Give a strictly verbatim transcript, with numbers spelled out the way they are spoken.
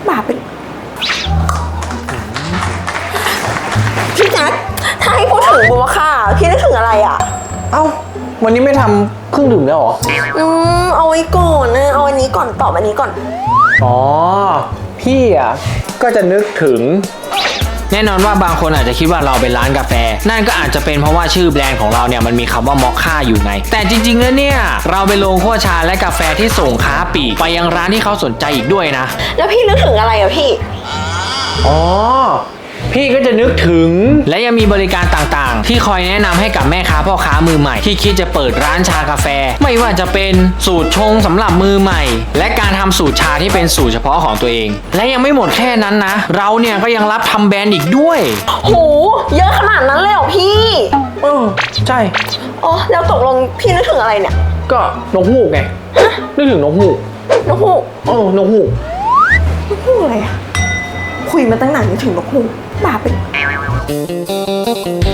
บาปเป็นพี่แจ๊คถ้าให้พูดถึงบัวค่ะพี่นึกถึงอะไรอ่ะเอ้าวันนี้ไม่ทำเครื่องดื่มแล้วเหรออืมเอาไว้ก่อนนะเอาอันนี้ก่อนตอบอันนี้ก่อนอ๋อพี่อ่ะก็จะนึกถึงแน่นอนว่าบางคนอาจจะคิดว่าเราเป็นร้านกาแฟนั่นก็อาจจะเป็นเพราะว่าชื่อแบรนด์ของเราเนี่ยมันมีคำว่ามอคค่าอยู่ไงแต่จริงๆแล้วเนี่ยเราเป็นโรงคั่วชาและกาแฟที่ส่งค้าปลีกไปยังร้านที่เขาสนใจอีกด้วยนะแล้วพี่นึกถึงอะไรอ่ะพี่อ๋อพี่ก็จะนึกถึงและยังมีบริการต่างๆที่คอยแนะนำให้กับแม่ค้าพ่อค้ามือใหม่ที่คิดจะเปิดร้านชากาแฟไม่ว่าจะเป็นสูตรชงสำหรับมือใหม่และการทำสูตรชาที่เป็นสูตรเฉพาะของตัวเองและยังไม่หมดแค่นั้นนะเราเนี่ยก็ยังรับทำแบรนด์อีกด้วยโหเยอะขนาดนั้นเลยเหรอพี่อือใช่อ๋อแล้วตกลงพี่นึกถึงอะไรเนี่ยก็นกฮูกไงนึกถึงนกฮูกนกฮูกเออนกฮูกนกฮูกอะไรอะคุยมาตั้งนานนึกถึงนกฮูกบาปเป็น